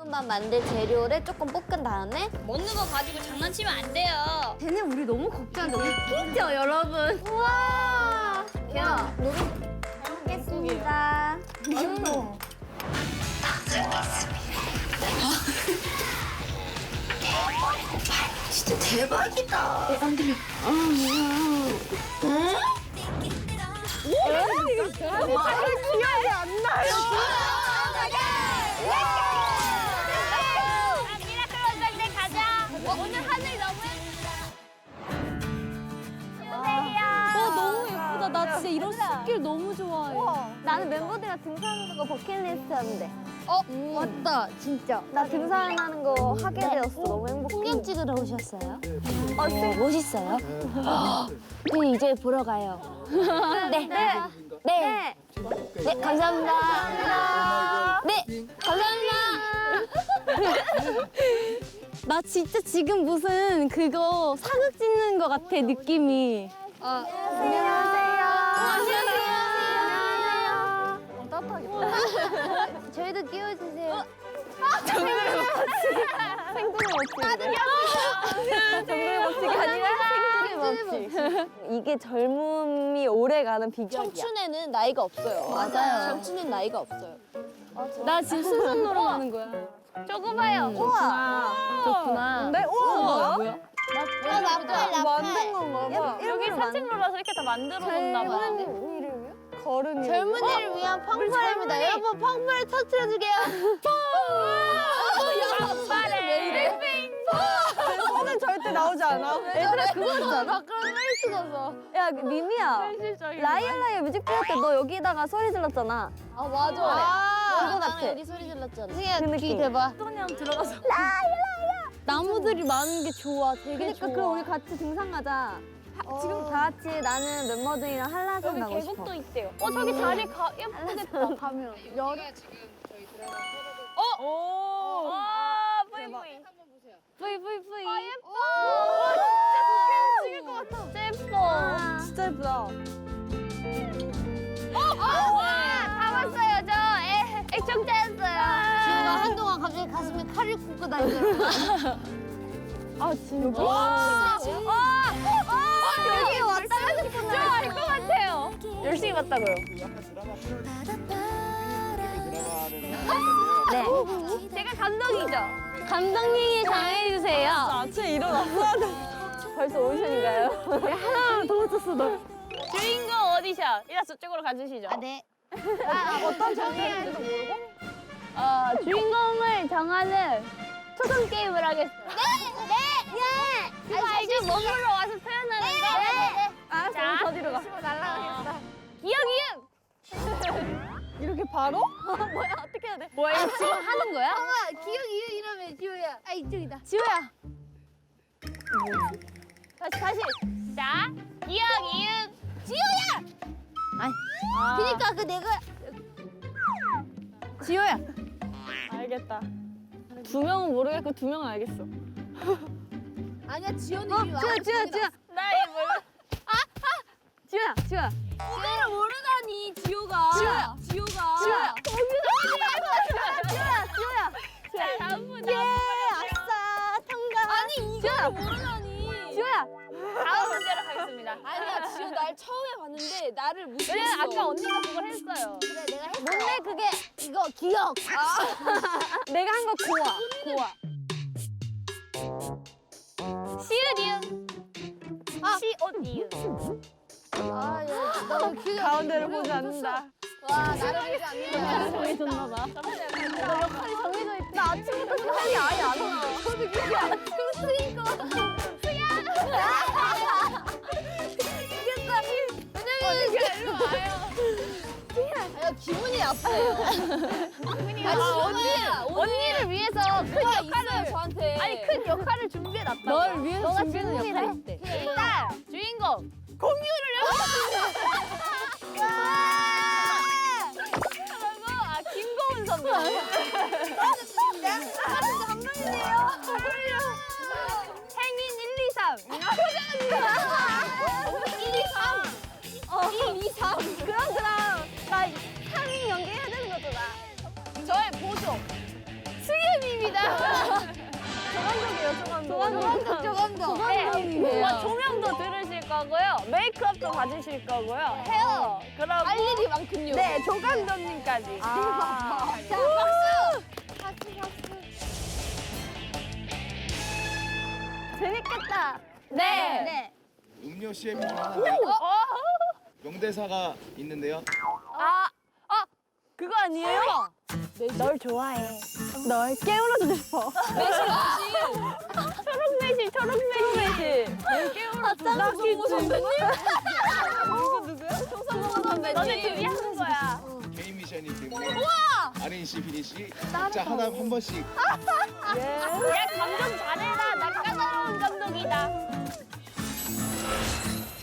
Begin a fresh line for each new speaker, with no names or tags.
볶음밥 만들 재료를 조금 볶은 다음에
먹는 거 가지고 장난치면 안 돼요.
쟤네 우리 너무 걱정한다. 웃기죠, 여러분? 우와.
야, 먹겠습니다.
진짜 대박이다. 기억이 안 나요.
미라클 원장님 가자. 오늘 하늘 너무
너무 예쁘다. 나 진짜 이런 숲길 너무 좋아해.
나는 멤버들이랑 등산하는 거 버킷리스트였는데.
맞다, 진짜.
나 등산하는 거 하게 되었어. 너무 행복해.
풍경 찍으러 오셨어요?
멋있어요? 네, 이제 보러 가요. 네. 네. 네, 감사합니다. 네, 감사합니다.
나 진짜 지금 무슨 그거 사극 찍는 것 같아, 느낌이.
안녕하세요. 저희도 끼워주세요.
정글의 법칙이 아니라 생존의 법칙.
이게 젊음이 오래가는 비결이야.
청춘에는 나이가 없어요.
맞아요.
청춘은 나이가 없어요.
나 지금 순선 놀아가는 거야.
저거 봐요.
좋구나. 네? 우와, 뭐야?
만든 건가 봐.
여기 산책로라서 이렇게 다 만들어 놓나 봐.
걸음이.
젊은이를 위한 펑퍼입니다. 여러분 펑퍼를 터트려주게요.
손은 절대 나오지 않아. 얘들아, 그거 있잖아.
그런 할 수가 없어.
야, 미미야. 라이언 뮤직비디오 때 너 여기다가 소리 질렀잖아.
아 맞아.
그거
나는
같아.
여기 소리 질렀잖아.
그 느낌.
대박.
소년 들어가서. 나무들이 많은 게 좋아. 되게 좋아.
그럼 우리 같이 등산 가자. 지금 다 같이 나는 멤버들이랑 한라산 가고 싶어.
계곡도 있대요. 저기 자리 예쁘겠다.
가면
오. 뿌이.
뿌이.
아 예뻐. 진짜 좋게 찍을 것 같아. 진짜 예뻐.
진짜 예쁘다.
다 봤어요. 저 애청자였어요.
지우가 한동안 갑자기 가슴에 칼을 꽂고 다니잖아.
아, 진짜?
여기 왔다가 진짜 알것 같아요. 열심히 봤다고요.
네.
제가 감독이죠.
감독님이 당해주세요. 아침에 일어났어야 돼. 벌써 오디션인가요? 하나 더 맞췄어, 너.
주인공 오디션. 이라 저쪽으로 가주시죠.
네.
어떤 정의인지도 모르고? 주인공을 정하는 초성 게임을 하겠습니다.
네.
그거 알죠? 몸으로 와서 표현하는 거.
알았어,
자.
더 뒤로 가.
날라가겠다.
기억 이응.
이렇게 바로? 뭐야, 어떻게 해야 돼?
뭐야, 이거 지금 하는 거야?
기억 이응 이러면 지우야. 아 이쪽이다.
지호야.
다시. 자, 기억 이응.
지우야. 그니까 그 내가
지호야. 알겠다. 두 명은 모르겠고 두 명은 알겠어.
아니야 지호는 이미 와.
지호야.
나 이거 몰라.
지호야.
이거를 모르다니 지호가.
지호야.
지호가.
자, 다음 분.
아싸, 통과.
아니 이거를 모르다니.
지호야.
다음 문제로 가겠습니다.
아니야 지호 날 처음에 봤는데 나를 무시했어.
왜냐면 아까 언니가 그걸 했어요.
그래 내가 했어. 뭔데 그게 이거 기억.
내가 한 거 고아.
시읒 이응. 시옷 이응.
아, 야, 너 기억.
가운데를 보지 않는다.
와 나를 보지 않는다.
정해졌나 봐.
너 역할이 정해져 있다.
나 아침부터 생각이 아예 안 나.
저도 기억 안
일로 와요.
야 기분이 나빠요.
언니를 위해서 큰 역할을
저한테.
아니 큰 역할을 준비해 놨다.
널 위해서
너가
준비하는
주인공이
역할이
돼.
있대.
일단 주인공 공유를 그리고 김고은 선배. 행인 1, 2, 3. 1, 2, 3.
그럼 나 3인 연기해야 되는 거잖아.
저의 보조. 수예미미
조감독.
네. 조명도 들으실 거고요. 메이크업도 받으실 거고요. 헤어. 그리고
할 일이 많군요.
네, 조감독님까지.
자, 재밌겠다.
네.
네.
음료 CM 중 하나 명대사가 있는데요.
그거 아니에요? 널 좋아해. 널 깨울어주고 싶어. 초록매실, 초록매실. 널 깨울어주고
송성모 선배님.
송성모 선배. 너네 둘이 하는 거야.
개인 미션이기 때문에 아린 씨, 비니 씨 각자 하나 한 번씩
야, 감독 잘해라. 나 까다로운 감독이다.